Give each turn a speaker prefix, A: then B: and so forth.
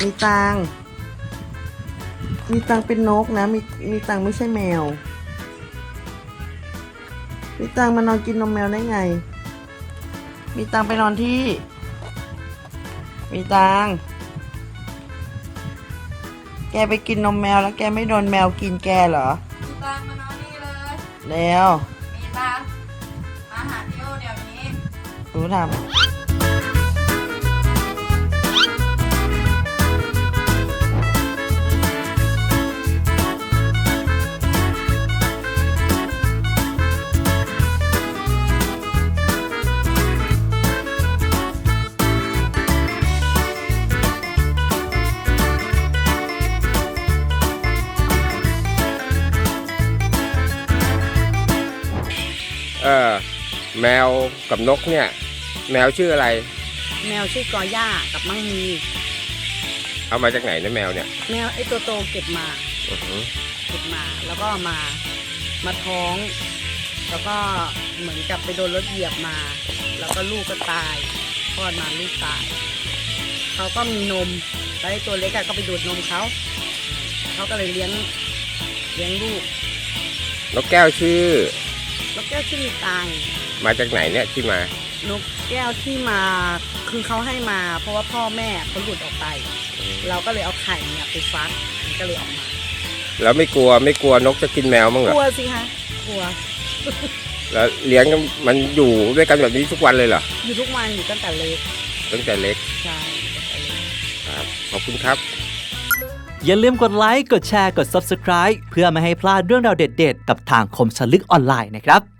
A: มีตังมีตังเป็นนกนะมีตังไม่ใช่แมวมีตังมานอนกินนมแมวได้ไงมีตังไปนอนที่มีตังแกไปกินนมแมวแล้วแกไม่โดนแมวกินแกเหรอ
B: มีตังมานอนนี่เลย
A: แล้ว
B: มีตังมาหาพี่โอเดี๋ยวนี้
A: รู้ทำ
C: แมวกับนกเนี่ยแมวชื่ออะไร
A: แมวชื่อกอย่ากับมั่งมี
C: เอามาจากไหนนะแมวเนี่ย
A: แมวไอ้ตัวโตเก็บมาแล้วก็มาท้องแล้วก็เหมือนกับไปโดนรถเหยียบมาแล้วก็ลูกก็ตายคลอดมาลูกตายเขาก็มีนมแล้วไอ้ตัวเล็กก็ไปดูดนมเขาก็เลยเลี้ยงลูก
C: นกแก้วชื่อน
A: กแก้วชื่อมีตัง
C: มาจากไหนเนี่ยที่มาน
A: กแก้วที่มาคือเขาให้มาเพราะว่าพ่อแม่เขาหลุดออกไปเราก็เลยเอาไข่เนี่ยไปฟักมันก็เลยออกมา
C: แล้วไม่กลัวนกจะกินแมวมั้งเหรอก
A: ลัวสิคะกลัว
C: แล้วเลี้ยงมันอยู่ด้วยกันแบบนี้ทุกวันเลยเหรอ
A: อยู่ทุกวันอยู่ตั้งแต่เล็กใช่
C: ครับขอบคุณครับ
D: อย่าลืมกดไลค์กดแชร์กด Subscribe เพื่อไม่ให้พลาดเรื่องราวเด็ดๆกับทางคมสนลึกออนไลน์นะครับ